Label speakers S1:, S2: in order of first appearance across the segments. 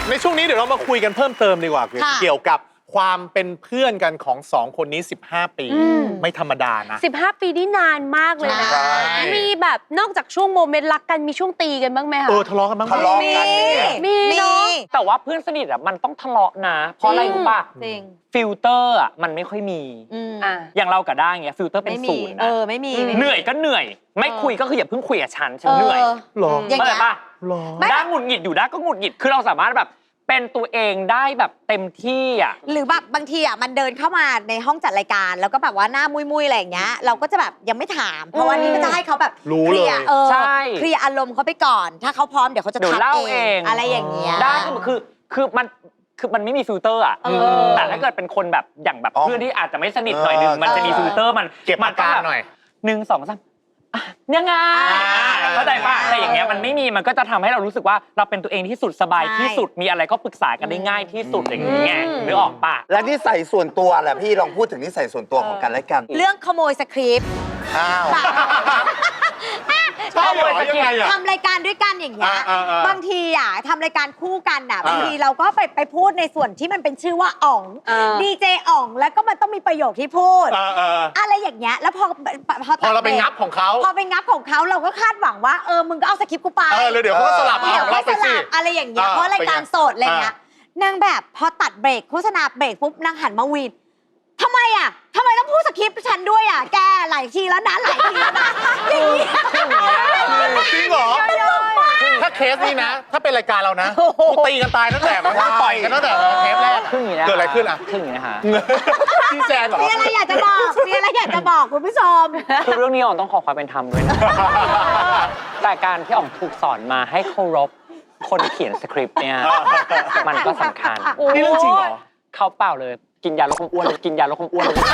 S1: ในช่วงนี้เดี๋ยวเรามาคุยกันเพิ่มเติมดีกว่าเกี่ยวกับความเป็นเพื่อนกันของ2คนนี้15 ปีไม่ธรรมดานะ
S2: 15 ปีนี่นานมากเลยนะมีแบบนอกจากช่วงโมเมนต์รักกันมีช่วงตีกันบ้างไหมคะ
S1: ทะเลาะกันบ้าง
S3: ทะเลาะกัน
S2: มีเนาะ
S4: แต่ว่าเพื่อนสนิทอ่ะมันต้องทะเลาะนะเพราะอะไรรู้ป่ะ
S2: จริง
S4: ฟิลเตอร์อ่ะมันไม่ค่อยมีอย่างเรากับด้าเงี้ยฟิลเตอร์เป็นศูนย์นะ
S2: ไม่มี
S4: เหนื่อยก็เหนื่อยไม่คุยก็คืออย่าเพิ่งคุยกับฉันเหนื่อย
S1: หรอ
S4: เข้าใจป่ะด้าหงุดหงิดอยู่ด้าก็หงุดหงิดคือเราสามารถแบบเป็นตัวเองได้แบบเต็มที่อ่ะ
S5: หรือแบบบางทีอ่ะมันเดินเข้ามาในห้องจัดรายการแล้วก็แบบว่าหน้ามุยๆอะไรอย่างเงี้ยเราก็จะแบบยังไม่ถามเพราะวันนี้ก็จะให้เขาแบบ
S1: รู้เลย
S4: ใช่
S5: เคลียร์อารมณ์เขาไปก่อนถ้าเขาพร้อมเดี๋ยวเขาจะทัก
S4: เอง
S5: อะไรอย่างเงี้ย
S4: ได้คือมันไม่มีฟิลเตอร์อ่ะแต่ถ้าเกิดเป็นคนแบบอย่างแบบเพื่อนที่อาจจะไม่สนิทหน่อยนึงมันจะมีฟิลเตอร์มัน
S1: เก็บอาการหน่อย
S4: 1 2 3ยังไงเข้าใจป่ะแต่อย่างเงี้ยมันไม่มีมันก็จะทำให้เรารู้สึกว่าเราเป็นตัวเองที่สุดสบายที่สุดมีอะไรก็ปรึกษากันได้ง่ายที่สุดอย่างเงี้ยนึกออกป่ะ
S3: และนิสัยส่วนตัวแหละพี่ลองพูดถึงนิสัยส่วนตัวของกันและกัน
S5: เรื่องขโมยสคริปต์
S1: ใช่เหรอยังไงอะ
S5: ทำรายการด้วยกันอย่างเงี้ยบางทีอ่ะทำรายการคู่กันอ่ะบางทีเราก็ไปพูดในส่วนที่มันเป็นชื่อว่าอ๋องดีเจอ๋องแล้วก็มันต้องมีประโยคที่พูดอะไรอย่างเงี้ยแล้วพอ
S1: เราไปงับของเขา
S5: พอไปงับของเขาเราก็คาดหวังว่ามึงก็เอาสคริปต์กูไป
S1: เลยเดี๋ยวเขาก็สลับ
S5: เราไปสิอะไรอย่างเงี้ยเพราะรายการสดอะไรเงี้ยนางแบบพอตัดเบรกโฆษณาเบรกปุ๊บนางหันมาวีนทำไมต้องพูดสคริปต์ฉันด้วยแกหลายทีแล้วนะหลายทีแล้วนะอย่างนี้
S1: จริงเหรอถ้าเคสนี้นะถ้าเป็นรายการเรานะกูตีกันตายตั้งแต่มันต่อยกันตั้งแต่เทปแรกเกิดอะไรขึ้น
S4: ขึ้นอย่างนี้นะคะ
S1: ชี้แจงเหรอ
S5: มีอะไรอยากจะบอกคุณผู้ชม
S4: คือเรื่องนี้อ๋องต้องขอความเป็นธรรมด้วยนะแต่การที่อ๋องถูกสอนมาให้เคารพคนเขียนสคริปต์เนี่ยมันก็สำคัญ
S1: นี่เรื่องจริงเหรอ
S4: เขาเปล่าเลยกินยาลดความอ้วนเลยกินยาลดความอ้วนเลย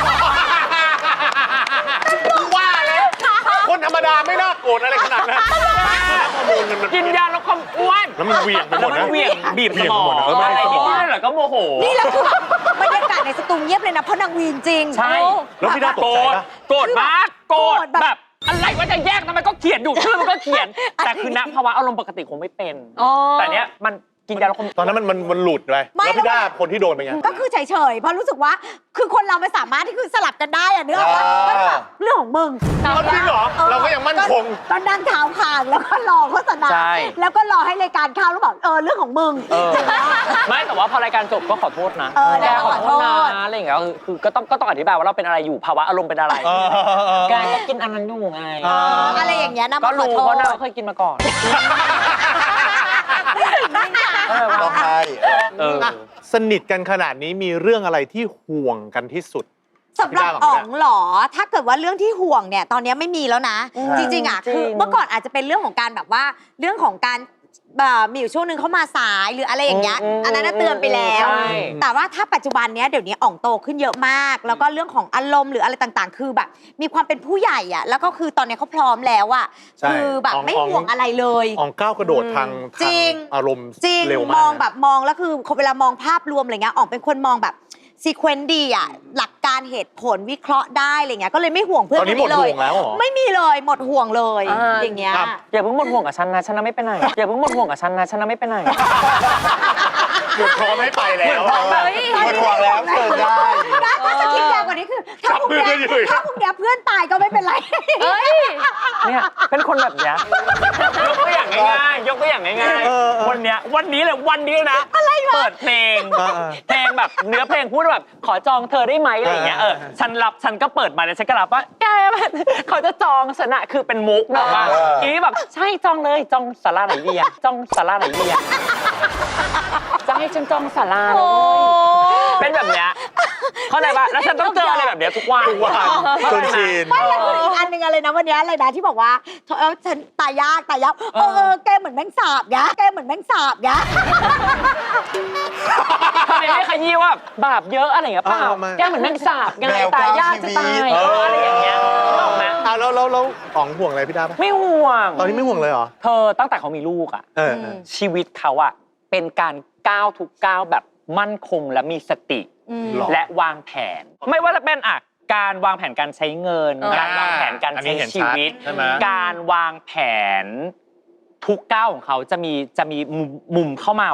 S1: ว่าเลยคนธรรมดาไม่น่าโกรธอะไรขนาดนั้น
S4: กินยาลดความอ้วน
S1: แล้วมันเหวี่ยงไปหมดนะ
S4: เหวี่ยงบีบสมองอะไรนิดๆหน่อยก็โมโห
S5: นี่แล้วคือบรรยากาศในสตูเงียบเลยนะเพราะนางวีนจริง
S4: ใช่
S1: แล้วพี่ด้าตกใจปะ
S4: โกรธมากโกรธแบบอะไรว่าจะแยกทำไมก็เขียนอยู่ชื่อมันก็เขียนแต่คือณภาวะอารมณ์ปกติคงไม่เป็นแต่เนี้ยมันกินยาลดความ
S1: ตอนนั้นมันหลุดไปแล้วพี่ด้าคนที่โดนเป็นไง
S5: ก็คือเฉยๆเพราะรู้สึกว่าคือคนเราไม่สามารถที่คือสลับกันได้เนื้อว่าเรื่องของมึง
S1: จริงเหรอเราก็ยังมั่นคง
S5: ตอนนั่งเท้าคางแล้วก็รอโฆษณาแล้วก็รอให้รายการเข้าแล้วบอกเรื่องของมึง
S4: ไม่แต่ว่าพอรายการจบก็ขอโทษนะแกขอโทษนะอะไรอย่างเงี้ยคือก็ต้องอธิบายว่าเราเป็นอะไรอยู่ภาวะอารมณ์เป็นอะไรแกก็กินอันนั้นอยู่ไง
S5: อะไรอย่างเงี้ยนะ
S4: ก็รู้เพราะเราเคยกินมาก่อน
S3: ร้องไห้
S1: สนิทกันขนาดนี้มีเรื่องอะไรที่ห่วงกันที่สุด
S5: สำหรับอ๋องหรอถ้าเกิดว่าเรื่องที่ห่วงเนี่ยตอนนี้ไม่มีแล้วนะจริงๆคือเมื่อก่อนอาจจะเป็นเรื่องของการแบบว่าเรื่องของการมีอยู่ช่วงนึงเขามาสายหรืออะไรอย่างเงี้ยอันนั้นเตือนไปแล้วแต่ว่าถ้าปัจจุบันเนี้ยเดี๋ยวนี้อ๋องโตขึ้นเยอะมากแล้วก็เรื่องของอารมณ์หรืออะไรต่างๆคือแบบมีความเป็นผู้ใหญ่อ่ะแล้วก็คือตอนนี้เขาพร้อมแล้วอ่ะคือแบบไม่ห่วงอะไรเลย
S1: อ๋องก้าวกระโดดทางอารมณ์
S5: จริงมองแบบมองแล้วคือเวลามองภาพรวมอะไรเงี้ยอ๋องเป็นคนมองแบบซีเควนต์ดีอ่ะหลักการเหตุผลวิเคราะห์ได้อะไรเงี้ยก็เลยไม่ห่วงเพื่อนคนนี้เลยไม่มีเลยหมดห่วงเลยอย่างเงี้ย
S4: อย่าเพิ่งหมดห่วงกับฉันนะฉันไม่ไปไหนอย่าเพิ่งหมดห่วงกับฉันนะฉันไม่ไปไหน
S1: หมดพร้อมไม่ไปแล้ว
S3: หมดห่วงแล้วเกิดได้
S5: ถ้าจะคิดแย่กว่านี้คือถ้าพรุ่งนี้เพื่อนตายก็ไม่เป็นไร
S4: เนี่ยเป็นคนแบบเนี้ยยกตัวอย่างง่ายๆวันนี้เลยวันนี้นะเปิดเพลงแบบเนื้อเพลงพูดแบบขอจองเธอได้ไหมอะไรอย่างเงี้ยฉันก็เปิดมาแล้วฉันก็รับว่าแกเขาจะจองฉันอะคือเป็นมุกนะว่าอีนี่แบบใช่จองเลยจองศาลาไหนดีอะจองศาลาไหนดีอะจะให้ฉันจองศาลาเป็นแบบเนี้ยเข้าใจป่ะแล้วฉันต้องเจออะไรแบบเนี้ยทุกวัน
S1: จนชิน
S5: ไม่แล้วอีกอันหนึ่งอะไรนะวันนี้อะไรนะที่บอกว่าฉันตายยากแกเหมือนแมงสาบยะทำไม
S4: ไม่ขยี้ว่าบาปเยอะอะไรอย่างเงี้ยเปล่าแกเหมือนแมงสาบไงตายยากจะตายอะไรอย่างเงี้ยถูกไหม
S1: แล้วอ๋องห่วงอะไรพี่ดาปะ
S4: ไม่ห่วง
S1: ตอนนี้ไม่ห่วงเลยเหรอ
S4: เธอตั้งแต่เขามีลูกอ่ะชีวิตเขาอ่ะเป็นการก้าวทุกก้าวแบบมั่นคงและมีสติและวางแผนไม่ว่าจะเป็นการวางแผนการใช้เงินการวางแผนการใช้ชีวิตการวางแผนทุกก้าวของเขาจะมีมุมเข้ามาว่า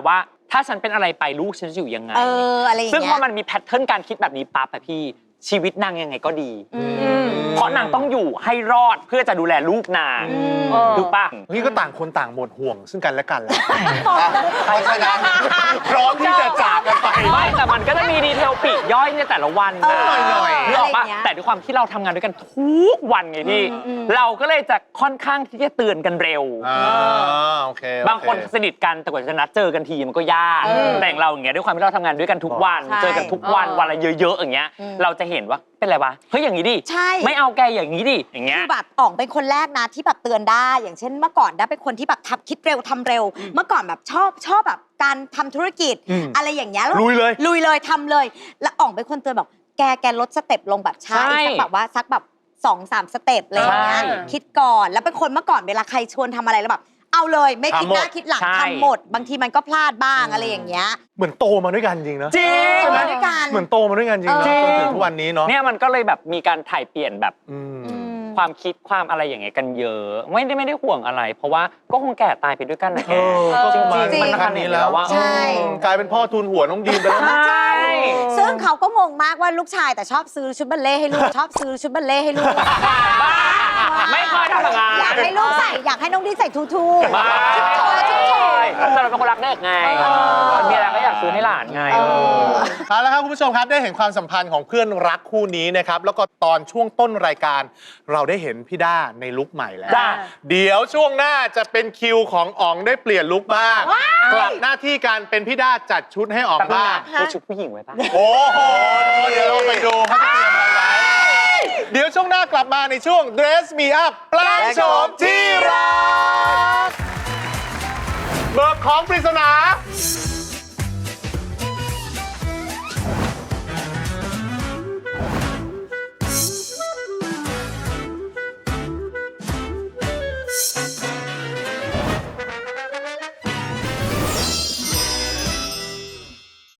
S4: ถ้าฉันเป็นอะไรไปลูกฉันจะอยู่ยังไง
S5: อะไรอย่างเงี้ย
S4: ซึ่งพอมันมีแพทเทิร์นการคิดแบบนี้ปั๊บอะพี่ชีวิตนางยังไงก็ดี เพราะนางต้องอยู่ให้รอดเพื่อจะดูแลลูกนางถูกปะ
S1: นี่ก็ต่างคนต่างหมดห่วงซึ่งกันและกันแล้ว
S3: เพราะฉะนั้น
S1: พร้อมที่จะจากกันไป
S4: ไม่แต่มันก็จะมีดีเทลปลีกย่อยในแต่ละวันนะ
S1: หน่อยๆ
S4: นึกออกปะ
S5: อะไรอย่างเงี้ย
S4: แต่ด้วยความที่เราทำงานด้วยกันทุกวันไงพี่ เราก็เลยจะค่อนข้างที่จะเตือนกันเร็ว
S1: โอเค
S4: บางคนสนิทกันแต่กว่าจะนัดเจอกันทีมันก็ยากแต่อย่างเราอย่างเงี้ยด้วยความที่เราทำงานด้วยกันทุกวัน
S5: ใช่
S4: เจอกันทุกวันวันละเยอะๆอย่างเงี้ยเราจะเห็นว่าเป็นไรวะเฮ้ยอย่างนี้ดิ
S5: ใช่
S4: ไม่เอาแกอย่างนี้ดิอย่างเงี้ย
S5: คือแบบอ๋องเป็นคนแรกนะที่แบบเตือนได้ อย่างเช่นเมื่อก่อนได้เป็นคนที่แบบคิดเร็วทำเร็ว เมื่อก่อนแบบชอบแบบการทำธุรกิจ อะไรอย่างเงี้ยแว
S1: ลุยเลย
S5: ทำเลย แล้วอ๋องเป็นคนเตือนบอกแกลดสเต็ปลงแบบช้า
S4: ใช่
S5: อีกสักแบบว่าสักแบบ2-3 สเต็ปอะไรอย่างเงี้ย
S4: ใช่
S5: คิดก่อนแล้วเป็นคนเมื่อก่อนเวลาใครชวนทำอะไรแล้วแบบเอาเลยไม่คิดหน้าคิดหลัง
S4: ใช่
S5: ทำหมด บางทีมันก็พลาดบ้างอะไรอย่างเงี้ย
S1: เหมือนโตมาด้วยกันจริงนะ
S4: จริง
S5: ใช่ไหมด้วยกัน
S1: เหมือนโตมาด้วยกันจริงนะ
S4: จริง
S1: จนถึงทุกวันนี้เนาะ
S4: เนี่ยมันก็เลยแบบมีการถ่ายเปลี่ยนแบบ
S1: อืม
S4: ความคิดความอะไรอย่างเงี้ยกันเยอะ ไม่ได้ห่วงอะไร เพราะว่าก็คงแก่ตายไปด้วยกันนะแก
S1: ก็
S4: จริง
S1: มา
S4: จริง
S1: ขนาดนี้แล้ว
S4: ว่า
S5: ใช่
S1: กลายเป็นพ่อทุนหัวน้องดีมไปแล้วนะ
S4: ใช่
S5: ซึ่งเขาก็งงมากว่าลูกชายแต่ชอบซื้อชุดบัลเล่ต์ให้ลูก ชอบซื้อชุดบัลเล่ต์ให้ลูก
S4: บ้าไม่เคยทำแบบนั้น
S5: อยากให้ลูกใส่อยากให้น้องดีใส่ทู
S4: บ้า
S5: ชุดโชว์ชุดโชว์
S4: แต่เราเป็นคนรักเด็กไงมีอะไรก็อยากซื้อให้หลานไง
S1: เอาละครับคุณผู้ชมครับได้เห็นความสัมพันธ์ของเพื่อนรักคู่นี้นะครับแล้วก็ตอนช่วงต้นรายการเราได้เห็นพี่ด้าในลุคใหม่แล้ว
S4: จ้ะ
S1: เดี๋ยวช่วงหน้าจะเป็นคิวของอ๋องได้เปลี่ยนลุคบ้างกลับหน้าที่การเป็นพี่ด้าจัดชุดให้อ๋อง
S4: แต่บ้า
S1: บ้าง
S4: ซื้อชุดผู้หญิงไว้ปะ
S1: โอ้โหเดี๋ยวเราไปดูเขาจะเตรียมอะไรไว้เดี๋ยวช่วงหน้ากลับมาในช่วง Dress Me Up แปลงโฉมที่รักเบิกของปริศนา